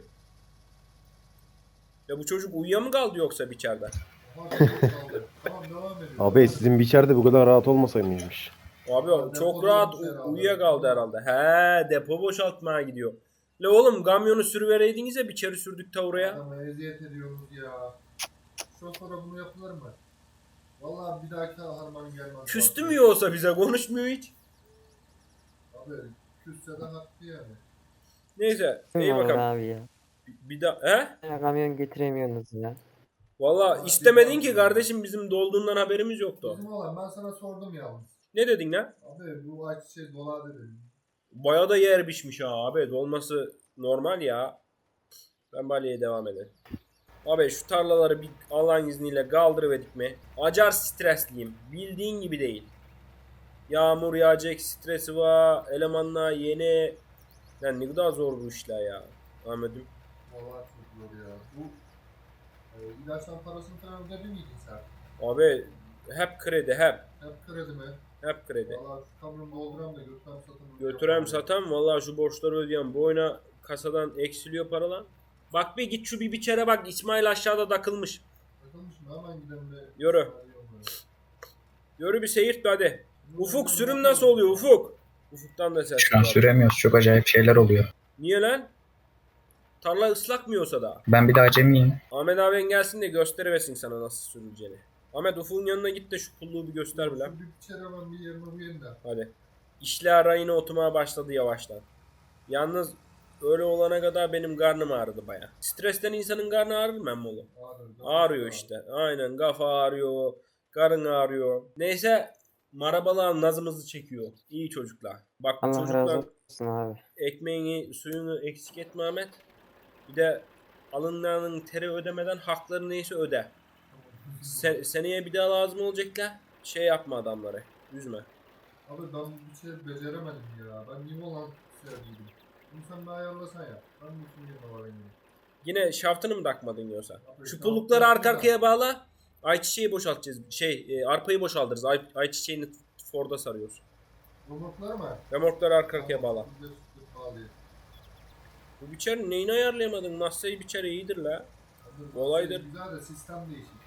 [SPEAKER 1] Ya bu çocuk uyuya mı kaldı yoksa biçerde?
[SPEAKER 2] Aha, çok kaldı. Tamam devam edelim.
[SPEAKER 3] Abi sizin biçerde bu kadar rahat olmasaymış.
[SPEAKER 1] Abi
[SPEAKER 2] Depo
[SPEAKER 1] çok rahat
[SPEAKER 2] dolmuş herhalde.
[SPEAKER 1] uyuya kaldı herhalde. He depo boşaltmaya gidiyor. La oğlum kamyonu sürüvereydiniz ya biçeri sürdük ta oraya.
[SPEAKER 2] Adama eziyet ediyoruz ya. Şu sonra bunu yapılır mı? Vallahi bir dahaki harman gelmez.
[SPEAKER 1] Küstü mü yoksa bize konuşmuyor hiç.
[SPEAKER 2] Abi küsse de haklı yani.
[SPEAKER 1] Neyse iyi
[SPEAKER 6] Bilmiyorum
[SPEAKER 1] bakalım.
[SPEAKER 6] abi ya.
[SPEAKER 1] Bir daha he?
[SPEAKER 6] Ya kamyon getiremiyorsunuz ya.
[SPEAKER 1] Valla istemedin ki kardeşim bizim dolduğundan haberimiz yoktu.
[SPEAKER 2] Bizim olan ben sana sordum yalnız.
[SPEAKER 1] Ne dedin lan?
[SPEAKER 2] Abi bu ayçiçeği dolar dedim.
[SPEAKER 1] Baya da yer biçmiş ha abi. Dolması normal ya. Ben balyaya devam edelim. Abi şu tarlaları bir Allah'ın izniyle kaldırıverdik mi? Acar stresliyim. Bildiğin gibi değil. Yağmur yağacak stresi var. Elemanlar yeni. Lan ne kadar zor bu işler ya. Ahmet'im.
[SPEAKER 2] Vallahi çok zor ya. Bu e, ilaçtan parasını falan ödedin miydin sen?
[SPEAKER 1] Abi hep kredi hep.
[SPEAKER 2] Hep kredi mi?
[SPEAKER 1] Hep kredi.
[SPEAKER 2] Vallahi şu kamyonu dolduram da götürem satam.
[SPEAKER 1] Götürem satam vallahi şu borçları ödeyem. Bu oyuna kasadan eksiliyor paralar. Bak bir git şu bir biçere bak. İsmail aşağıda takılmış.
[SPEAKER 2] Takılmış mı? Hemen gidelim de.
[SPEAKER 1] Yürü. Yürü bir seyirt be hadi. Ufuk sürüm nasıl oluyor Ufuk? Ufuk'tan da ses
[SPEAKER 4] Şu an
[SPEAKER 1] var.
[SPEAKER 4] süremiyoruz. Çok acayip şeyler oluyor.
[SPEAKER 1] Niye lan? Tarla ıslak mı yoksa daha?
[SPEAKER 4] Ben bir de acemiyim.
[SPEAKER 1] Ahmet abin gelsin de gösteriversin sana nasıl sürüleceğini. Ahmet Ufuk'un yanına git de şu pulluğu bir göster bir lan.
[SPEAKER 2] Bir içeri hemen bir yerine uyuyayım da.
[SPEAKER 1] Hadi. İşler rayına oturmaya başladı yavaştan. Yalnız öyle olana kadar benim karnım ağrıdı baya. Stresten insanın karnı ağrır mı emmi oğlum?
[SPEAKER 2] Ağrıyor.
[SPEAKER 1] Ağrıyor işte. Aynen kafa ağrıyor. Karın ağrıyor. Neyse marabalar nazımızı çekiyor. İyi çocuklar. Bak bu
[SPEAKER 6] Allah
[SPEAKER 1] çocuklar
[SPEAKER 6] razı olsun abi.
[SPEAKER 1] ekmeğini suyunu eksik etme Ahmet. Bir de alınlarının teri ödemeden hakları neyse öde. Sen, seneye bir daha lazım olacaklar. Şey yapma adamları. Üzme.
[SPEAKER 2] Abi ben bir şey beceremedim ya. Ben niye olan sevdiydim. Bunu sen bir ayarlasan ya. Ben bu şimdi de var benim.
[SPEAKER 1] Yine şaftını mı takmadın yoksa?
[SPEAKER 2] Abi,
[SPEAKER 1] Şu
[SPEAKER 2] şaftı
[SPEAKER 1] pullukları arka
[SPEAKER 2] taktım da.
[SPEAKER 1] arkaya bağla. Ayçiçeği boşaltacağız. Şey e, arpayı boşaltırız. Ay, ayçiçeğini Ford'a sarıyoruz.
[SPEAKER 2] Robotlar mı?
[SPEAKER 1] Remorkları arka arkaya bağla.
[SPEAKER 2] Bir de sütlü bağlayayım.
[SPEAKER 1] Bu biçer neyini ayarlayamadın? Masayı biçer iyidir la.
[SPEAKER 2] Abi,
[SPEAKER 1] Olaydır.
[SPEAKER 2] Güzel de sistem değişik.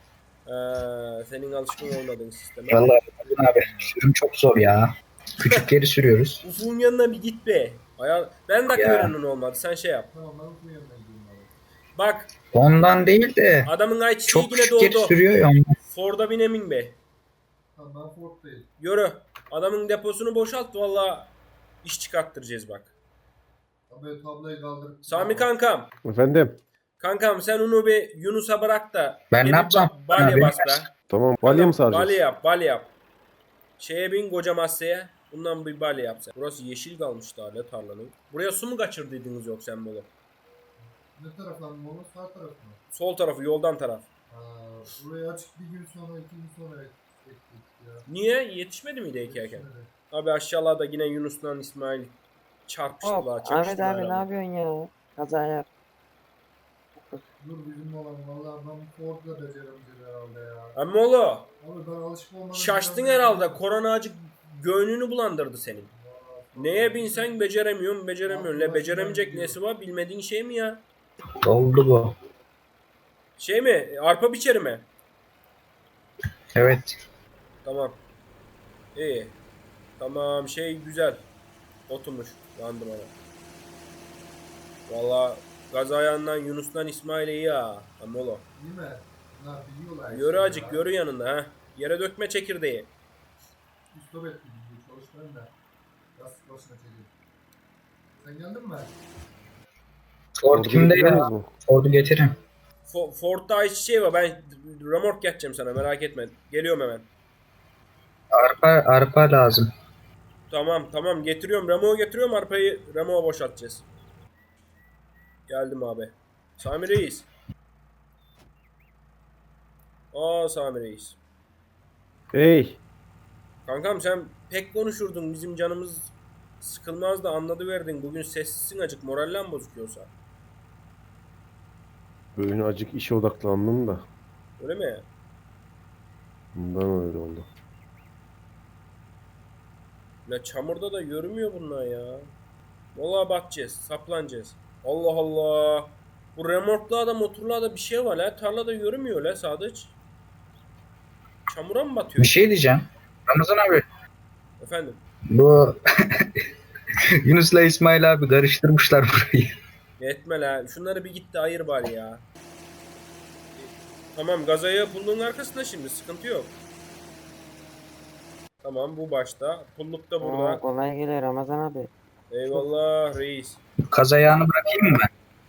[SPEAKER 1] Ee, senin alışkın olmadığın sisteme.
[SPEAKER 4] Vallahi abi sürüm çok zor ya. Küçük yeri sürüyoruz.
[SPEAKER 1] Ufuk'un yanına bir git be. Ayar... Ben de
[SPEAKER 4] Ya.
[SPEAKER 1] verenin olmadı. Sen şey yap.
[SPEAKER 2] Tamam ben bu yanına gidiyorum abi.
[SPEAKER 1] Bak
[SPEAKER 4] Ondan değil de
[SPEAKER 1] adamın ayçiçeği
[SPEAKER 4] çok
[SPEAKER 1] yine
[SPEAKER 4] küçük yeri
[SPEAKER 1] doldu.
[SPEAKER 4] sürüyor ya ondan.
[SPEAKER 1] Ford'a bin emin be.
[SPEAKER 2] Tamam ben Ford'dayım.
[SPEAKER 1] Yürü. Adamın deposunu boşalt valla iş çıkarttıracağız bak.
[SPEAKER 2] Abi tablayı kaldır.
[SPEAKER 1] Sami kankam.
[SPEAKER 3] Efendim.
[SPEAKER 1] Kankam sen onu bir Yunus'a bırak da.
[SPEAKER 4] Ben
[SPEAKER 1] bir
[SPEAKER 4] ne yapacağım?
[SPEAKER 1] Balya
[SPEAKER 4] Abi,
[SPEAKER 1] bas be.
[SPEAKER 3] Tamam. Balya mı
[SPEAKER 1] Kankam,
[SPEAKER 3] saracağız?
[SPEAKER 1] Balya yap, balya yap. Şeye bin koca masaya. Bundan bir balya yap sen. Burası yeşil kalmış daha ne tarlanın. Buraya su mu kaçırdıydınız yok sen bunu?
[SPEAKER 2] Ne taraftan mı onu? Sağ taraf mı?
[SPEAKER 1] Sol tarafı yoldan taraf.
[SPEAKER 2] Aa, buraya açık bir gün sonra, iki gün sonra ektik ya.
[SPEAKER 1] Niye? Yetişmedi miydi ekerken?
[SPEAKER 2] Şöyle.
[SPEAKER 1] Abi aşağıda yine Yunus'la İsmail çarpıştılar,
[SPEAKER 6] Hop, Ahmet
[SPEAKER 1] çakıştılar.
[SPEAKER 6] abi ne
[SPEAKER 1] ama.
[SPEAKER 6] yapıyorsun ya? Kaza yap.
[SPEAKER 2] Dur bizim olan vallahi ben Ford'la beceremeyeceğim herhalde ya.
[SPEAKER 1] Ama oğlum
[SPEAKER 2] Abi ben alışık olmadım.
[SPEAKER 1] şaştın herhalde. Korona acık göğnünü bulandırdı senin. Neye binsen beceremiyorsun, beceremiyorsun. Ne beceremeyecek nesi var bilmediğin şey mi ya?
[SPEAKER 4] Oldu bu.
[SPEAKER 1] Şey mi? Arpa biçeri mi?
[SPEAKER 4] Evet.
[SPEAKER 1] Tamam. İyi. Tamam şey güzel. Oturmuş. Yandım ona. Valla gaz ayağından Yunus'tan İsmail'e iyi ha. Amolo.
[SPEAKER 2] Değil mi? Bunlar biliyorlar.
[SPEAKER 1] Yürü acık yürü yanında ha. Yere dökme çekirdeği.
[SPEAKER 2] Stop ettim bizi çalıştırın da. Lastik başına çekeyim. Sen geldin mi?
[SPEAKER 4] Ford
[SPEAKER 3] Orada
[SPEAKER 4] kimde
[SPEAKER 3] getiriyor
[SPEAKER 4] ya?
[SPEAKER 3] musunuz mu?
[SPEAKER 4] Ford'u getirin.
[SPEAKER 1] Fo- Ford'da hiç şey var ben remork geçeceğim sana merak etme. Geliyorum hemen.
[SPEAKER 4] Arpa, arpa lazım.
[SPEAKER 1] Tamam tamam getiriyorum. Remo'yu getiriyorum arpayı Remo'ya boşaltacağız. Geldim abi. Sami Reis. Aa Sami Reis.
[SPEAKER 3] Hey.
[SPEAKER 1] Kankam sen pek konuşurdun. Bizim canımız sıkılmaz da anladıverdin. Bugün sessizsin acık. Morallen bozuk yoksa.
[SPEAKER 3] Bugün acık işe odaklandım da.
[SPEAKER 1] Öyle mi?
[SPEAKER 3] Bundan öyle oldu.
[SPEAKER 1] La çamurda da yürümüyor bunlar ya. Vallahi bakacağız. Saplanacağız. Allah Allah. Bu remorklarda motorlarda bir şey var la. Tarlada yürümüyor la Sadıç. Çamura mı
[SPEAKER 4] Bir
[SPEAKER 1] batıyor?
[SPEAKER 4] şey diyeceğim. Ramazan abi.
[SPEAKER 1] Efendim.
[SPEAKER 4] Bu Yunus'la İsmail abi karıştırmışlar burayı.
[SPEAKER 1] Etme la. Şunları bir gitti ayır bari ya. Tamam gazaya pullun arkasında şimdi. Sıkıntı yok. Tamam bu başta. Pulluk da
[SPEAKER 6] Oo,
[SPEAKER 1] burada.
[SPEAKER 6] kolay geliyor Ramazan abi.
[SPEAKER 1] Eyvallah reis.
[SPEAKER 4] Kaz ayağını bırakayım mı ben?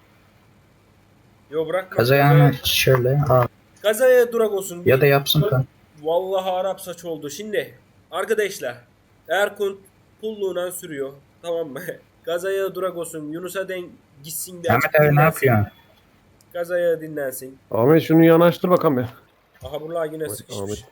[SPEAKER 1] Yo bırakma.
[SPEAKER 4] Kaz ayağını şöyle al.
[SPEAKER 1] Gazaya durak olsun.
[SPEAKER 4] Ya da yapsın kan.
[SPEAKER 1] Vallahi Arap saç oldu. Şimdi arkadaşlar Erkun pulluğuna sürüyor. Tamam mı? Gazaya durak olsun. Yunus'a den gitsin de.
[SPEAKER 4] Ahmet abi ne yapıyorsun?
[SPEAKER 1] Gazaya dinlensin.
[SPEAKER 3] Ahmet şunu yanaştır bakalım ya.
[SPEAKER 1] Aha buralar yine
[SPEAKER 3] Ahmet.
[SPEAKER 1] sıkışmış.
[SPEAKER 3] Ahmet,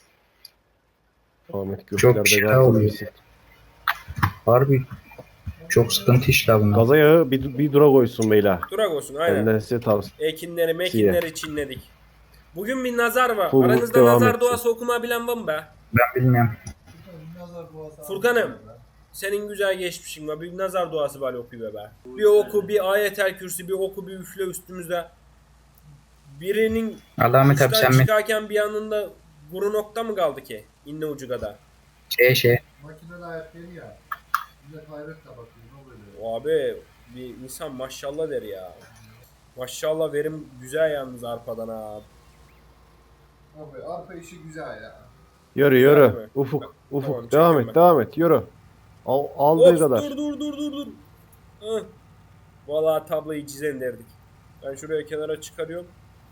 [SPEAKER 3] Ahmet
[SPEAKER 4] Çok
[SPEAKER 3] göklerde
[SPEAKER 4] şey
[SPEAKER 3] gazlı
[SPEAKER 4] oluyor.
[SPEAKER 3] birisi.
[SPEAKER 4] Harbi çok sıkıntı işler bunlar.
[SPEAKER 3] Gaza yağı bir, bir dura koysun beyler.
[SPEAKER 1] Durak olsun aynen.
[SPEAKER 3] Benden size tavsiye.
[SPEAKER 1] Ekinleri mekinleri çinledik. Bugün bir nazar var.
[SPEAKER 3] Pulluk
[SPEAKER 1] Aranızda
[SPEAKER 3] devam
[SPEAKER 1] nazar
[SPEAKER 3] etsin.
[SPEAKER 1] duası okuma bilen var mı be?
[SPEAKER 4] Ben bilmiyorum.
[SPEAKER 2] Nazar duası.
[SPEAKER 1] Furkan'ım. Senin güzel geçmişin var. Bir nazar duası var okuyor be. Bir oku, bir ayetel kürsü, bir oku, bir üfle üstümüzde. Birinin
[SPEAKER 4] Allah Ahmet abi
[SPEAKER 1] işten
[SPEAKER 4] sen mi?
[SPEAKER 1] çıkarken bir yanında kuru nokta mı kaldı ki? İnne ucu kadar.
[SPEAKER 4] Şey şey.
[SPEAKER 2] Makinede ayak değil ya. Millet hayretle bakıyor. Ne oluyor?
[SPEAKER 1] O abi bir insan maşallah der ya. Maşallah verim güzel yalnız arpadan ha.
[SPEAKER 2] Abi arpa işi güzel ya.
[SPEAKER 3] Yürü
[SPEAKER 1] Güzel
[SPEAKER 3] yürü.
[SPEAKER 1] mi?
[SPEAKER 3] Ufuk. Ufuk.
[SPEAKER 1] Tamam,
[SPEAKER 3] devam
[SPEAKER 1] çekiyorum
[SPEAKER 3] et.
[SPEAKER 1] ben.
[SPEAKER 3] Devam et. Yürü. Al, aldığı
[SPEAKER 1] Of,
[SPEAKER 3] kadar.
[SPEAKER 1] dur dur dur dur dur. Heh. Vallahi tabloyu çizen derdik. Ben şuraya kenara çıkarıyorum.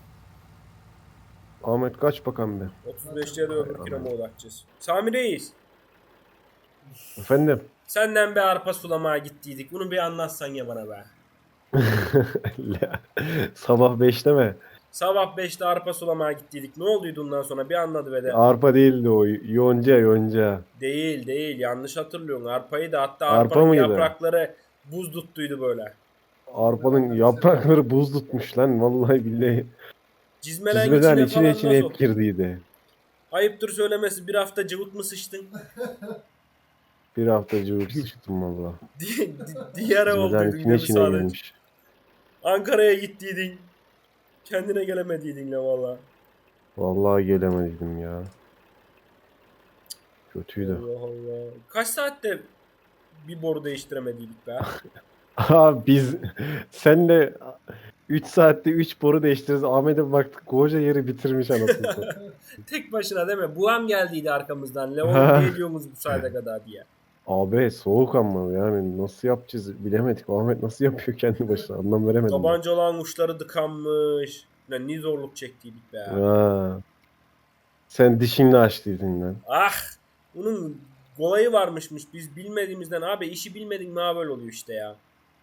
[SPEAKER 3] Ahmet kaç bakalım bir.
[SPEAKER 1] otuz beşte de öbür kirama odaklayacağız. Sami Reis.
[SPEAKER 3] Efendim.
[SPEAKER 1] Senden bir arpa sulamaya gittiydik. Bunu bir anlatsan ya bana be.
[SPEAKER 3] Sabah beşte mi?
[SPEAKER 1] Sabah beşte arpa sulamaya gittiydik. Ne olduydu ondan sonra bir anladı ve de.
[SPEAKER 3] Arpa değildi o. Yonca yonca.
[SPEAKER 1] Değil değil yanlış hatırlıyorsun. Arpayı da hatta
[SPEAKER 3] Arpa
[SPEAKER 1] arpanın
[SPEAKER 3] mıydı?
[SPEAKER 1] yaprakları buz tuttuydu böyle.
[SPEAKER 3] Arpanın yaprakları buz tutmuş lan. Vallahi billahi.
[SPEAKER 1] Cizmelen
[SPEAKER 3] Çizmeden
[SPEAKER 1] içine,
[SPEAKER 3] içine
[SPEAKER 1] falan
[SPEAKER 3] içine
[SPEAKER 1] nasıl?
[SPEAKER 3] hep girdiydi.
[SPEAKER 1] Ayıptır söylemesi bir hafta cıvık mı sıçtın?
[SPEAKER 3] Bir hafta cıvık sıçtım valla.
[SPEAKER 1] Di- di- Diğer ev
[SPEAKER 3] Çizmeden
[SPEAKER 1] olduydun
[SPEAKER 3] içine
[SPEAKER 1] değil mi
[SPEAKER 3] içine
[SPEAKER 1] sadece?
[SPEAKER 3] girmiş.
[SPEAKER 1] Ankara'ya gittiydin. Kendine gelemediydin la valla.
[SPEAKER 3] Vallahi gelemedim ya. Kötüydü.
[SPEAKER 1] Allah Allah. Kaç saatte bir boru değiştiremediydik be?
[SPEAKER 3] Aha biz senle üç saatte üç boru değiştiririz. Ahmet'e baktık koca yeri bitirmiş anasını satayım.
[SPEAKER 1] Tek başına değil mi? Buam geldiydi arkamızdan. Leon ne diyorsunuz bu saate kadar diye.
[SPEAKER 3] Abi soğuk ama yani nasıl yapacağız bilemedik. Ahmet nasıl yapıyor kendi başına anlam veremedim. ben.
[SPEAKER 1] Tabanca olan uçları tıkanmış. Ne, ne zorluk çektiydik be.
[SPEAKER 3] Ha. Sen dişinle açtıydın lan.
[SPEAKER 1] Ah! Bunun kolayı varmışmış. Biz bilmediğimizden abi işi bilmedik mi ha böyle oluyor işte ya.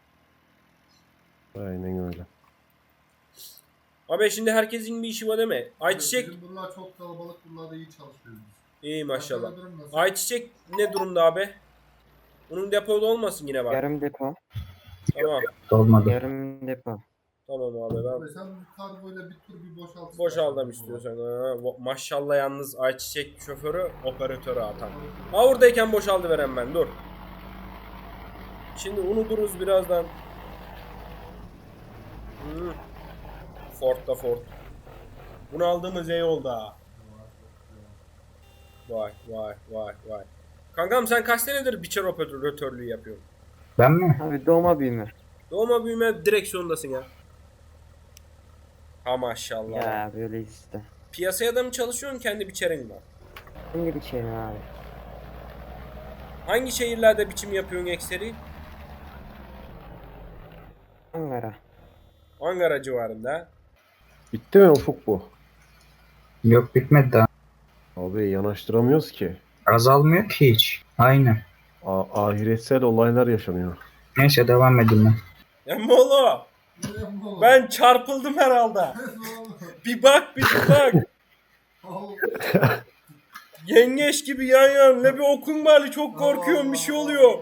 [SPEAKER 3] Aynen öyle.
[SPEAKER 1] Abi şimdi herkesin bir işi var değil mi? Ayçiçek
[SPEAKER 2] Bizim bunlar çok kalabalık. Bunlar da iyi çalışıyoruz biz.
[SPEAKER 1] iyi maşallah.
[SPEAKER 2] Arkada durum nasıl?
[SPEAKER 1] Ayçiçek ne durumda abi? Bunun depoda olmasın yine bak.
[SPEAKER 6] Yarım depo.
[SPEAKER 1] Tamam.
[SPEAKER 4] Olmadı.
[SPEAKER 6] Yarım depo.
[SPEAKER 1] Tamam abi ben
[SPEAKER 2] Abi sen bu kargoyla bir tur bir boşalt.
[SPEAKER 1] boşaldım istiyorsan. Ha, va- maşallah yalnız ayçiçek şoförü operatörü atan. Ha oradayken boşaldı veren ben dur. Şimdi unuturuz birazdan. Hmm. Ford da Ford. Bunu aldığımız iyi oldu ha. Vay vay vay vay. Kankam sen kaç senedir biçer operatörlüğü yapıyorsun?
[SPEAKER 4] Ben mi?
[SPEAKER 6] Abi doğma büyüme.
[SPEAKER 1] Doğma büyüme direksiyondasın ya. Ha maşallah.
[SPEAKER 6] Ya böyle işte.
[SPEAKER 1] Piyasaya da mı çalışıyorsun kendi biçerin var?
[SPEAKER 6] Hangi bir şey mi abi?
[SPEAKER 1] Hangi şehirlerde biçim yapıyorsun ekseri?
[SPEAKER 6] Ankara.
[SPEAKER 1] Ankara civarında.
[SPEAKER 3] Bitti mi Ufuk bu?
[SPEAKER 4] Yok bitmedi daha.
[SPEAKER 3] Abi yanaştıramıyoruz ki.
[SPEAKER 4] Azalmıyor ki hiç. Aynı.
[SPEAKER 3] A- ahiretsel olaylar yaşanıyor.
[SPEAKER 4] Neyse devam edin ben.
[SPEAKER 1] Emmoğlu ben çarpıldım herhalde. Bir bak bir bak. Yengeç gibi yan yan. Ne bir okun bari çok korkuyorum bir şey oluyor.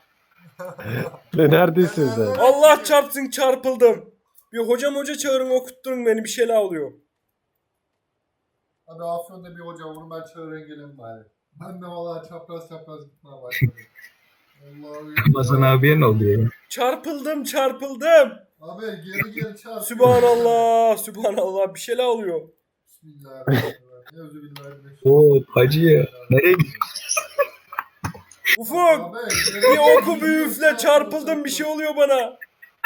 [SPEAKER 3] Ne neredesin sen?
[SPEAKER 1] Allah çarpsın çarpıldım. Bir hocam hoca çağırın okutturun beni bir şeyler oluyor.
[SPEAKER 2] Hadi Afyon'da bir hoca onu ben çağırın gelin bari. Ben de valla çapraz çapraz gitmeye başladım. Allah'ım.
[SPEAKER 4] Ramazan abiye ne oluyor ya?
[SPEAKER 1] Çarpıldım çarpıldım.
[SPEAKER 2] Abi geri geri çarp.
[SPEAKER 1] Sübhanallah sübhanallah bir şeyler oluyor.
[SPEAKER 2] Bismillahirrahmanirrahim. Euzubillahimineşşeytanirracim.
[SPEAKER 4] Oo hacı ya. Nereye gidiyorsun?
[SPEAKER 1] Ufuk
[SPEAKER 2] Abi, geri
[SPEAKER 1] bir
[SPEAKER 2] geri
[SPEAKER 1] oku bir
[SPEAKER 2] gidiyor,
[SPEAKER 1] üfle
[SPEAKER 2] çarp,
[SPEAKER 1] çarpıldım bir
[SPEAKER 2] çarp.
[SPEAKER 1] şey oluyor bana.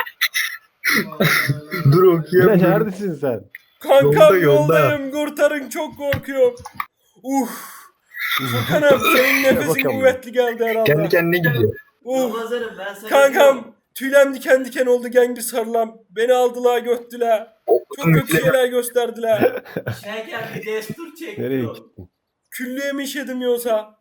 [SPEAKER 4] Dur
[SPEAKER 3] Ne
[SPEAKER 4] okuyamıyorum.
[SPEAKER 3] neredesin sen?
[SPEAKER 1] Kankam
[SPEAKER 4] Yolda, yolda.
[SPEAKER 1] yoldayım kurtarın çok korkuyorum. Uf. Furkan'ım senin nefesin
[SPEAKER 3] Bakalım.
[SPEAKER 1] kuvvetli geldi herhalde.
[SPEAKER 4] Kendi kendine gidiyor.
[SPEAKER 1] Uf.
[SPEAKER 7] Ramazan'ım ben sana
[SPEAKER 1] Kankam
[SPEAKER 7] diyorum.
[SPEAKER 1] tüylem diken diken oldu gengi sarılam. Beni aldılar göttüler. Çok
[SPEAKER 4] Okudum
[SPEAKER 1] kötü
[SPEAKER 4] üfleme.
[SPEAKER 1] şeyler gösterdiler.
[SPEAKER 7] Şeker bir destur çekti.
[SPEAKER 3] Nereye
[SPEAKER 7] o.
[SPEAKER 3] gittin?
[SPEAKER 1] Küllüğe mi işedim yoksa?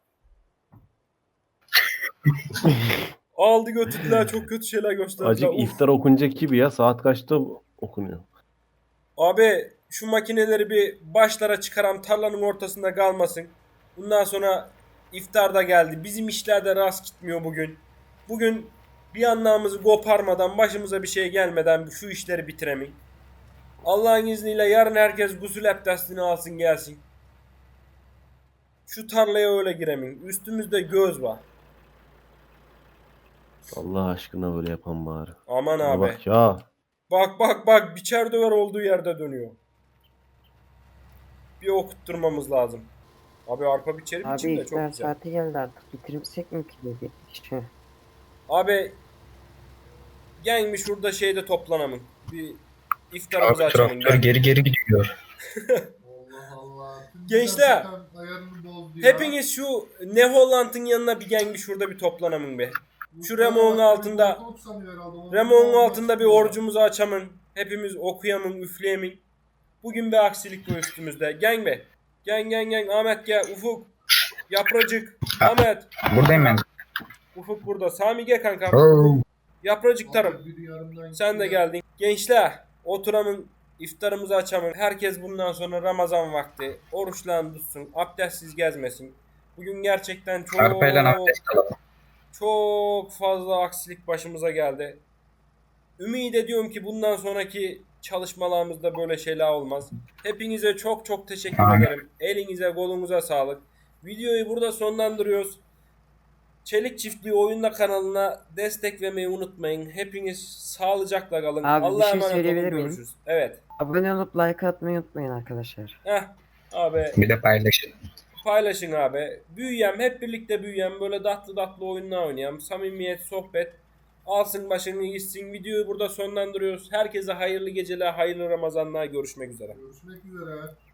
[SPEAKER 1] Aldı götürdüler çok kötü şeyler gösterdiler.
[SPEAKER 3] Acık
[SPEAKER 1] Uf.
[SPEAKER 3] iftar okunacak gibi ya. Saat kaçta okunuyor?
[SPEAKER 1] Abi şu makineleri bir başlara çıkaram tarlanın ortasında kalmasın. Bundan sonra iftar da geldi. Bizim işler de rast gitmiyor bugün. Bugün bir anlamımızı koparmadan başımıza bir şey gelmeden şu işleri bitiremeyin. Allah'ın izniyle yarın herkes gusül abdestini alsın gelsin. Şu tarlaya öyle giremeyin. Üstümüzde göz var.
[SPEAKER 3] Allah aşkına böyle yapan bari.
[SPEAKER 1] Aman
[SPEAKER 3] Bana
[SPEAKER 1] abi.
[SPEAKER 3] bak ya.
[SPEAKER 1] Bak bak bak biçer döver olduğu yerde dönüyor. Bir okutturmamız lazım. Abi arpa biçeri
[SPEAKER 6] Abi
[SPEAKER 1] biçim de çok
[SPEAKER 6] iftar
[SPEAKER 1] güzel.
[SPEAKER 6] saati geldi artık. Bitirmesek mi ki dedi. Şu.
[SPEAKER 1] Abi gelmiş şurada şeyde toplanamın. Bir iftarımızı
[SPEAKER 4] Abi
[SPEAKER 1] açalım.
[SPEAKER 4] traktör
[SPEAKER 1] Gel.
[SPEAKER 4] geri geri gidiyor.
[SPEAKER 2] Allah Allah.
[SPEAKER 1] Gençler,
[SPEAKER 2] Ayarını bozdu ya.
[SPEAKER 1] Hepiniz şu Ne Holland'ın yanına bir gelmiş şurada bir toplanamın be. Şu Remo'nun altında Remo'nun altında bir orucumuzu açamın. Hepimiz okuyamın, üfleyemin. Bugün bir aksilik bu üstümüzde. Gel be. Gel gel gel Ahmet gel. Ufuk. Yapracık. Ahmet.
[SPEAKER 4] Buradayım ben.
[SPEAKER 1] Ufuk burada. Sami gel kankam.
[SPEAKER 4] Oo.
[SPEAKER 1] Yapracık tarım. Sen de geldin. Gençler oturamın iftarımızı açamın. Herkes bundan sonra Ramazan vakti oruçlarını tutsun. Abdestsiz gezmesin. Bugün gerçekten çok
[SPEAKER 4] Arpayla abdest alalım.
[SPEAKER 1] çok fazla aksilik başımıza geldi. Ümit ediyorum ki bundan sonraki çalışmalarımızda böyle şeyler olmaz. Hepinize çok çok teşekkür
[SPEAKER 4] Aynen.
[SPEAKER 1] ederim. Elinize kolunuza sağlık. Videoyu burada sonlandırıyoruz. Çelik Çiftliği Oyunda kanalına destek vermeyi unutmayın. Hepiniz sağlıcakla kalın.
[SPEAKER 6] Abi, bir
[SPEAKER 1] Allah'a
[SPEAKER 6] şey
[SPEAKER 1] emanet
[SPEAKER 6] söyleyebilir
[SPEAKER 1] olun.
[SPEAKER 6] miyim?
[SPEAKER 1] Görüşürüz. Evet.
[SPEAKER 6] Abone olup like atmayı unutmayın arkadaşlar.
[SPEAKER 1] Heh. Abi
[SPEAKER 4] Bir de paylaşın.
[SPEAKER 1] paylaşın abi. Büyüyem hep birlikte büyüyem böyle tatlı tatlı oyunlar oynayalım. Samimiyet, sohbet. alsın başını gitsin. Videoyu burada sonlandırıyoruz. Herkese hayırlı geceler, hayırlı Ramazanlar. Görüşmek üzere.
[SPEAKER 8] Görüşmek üzere.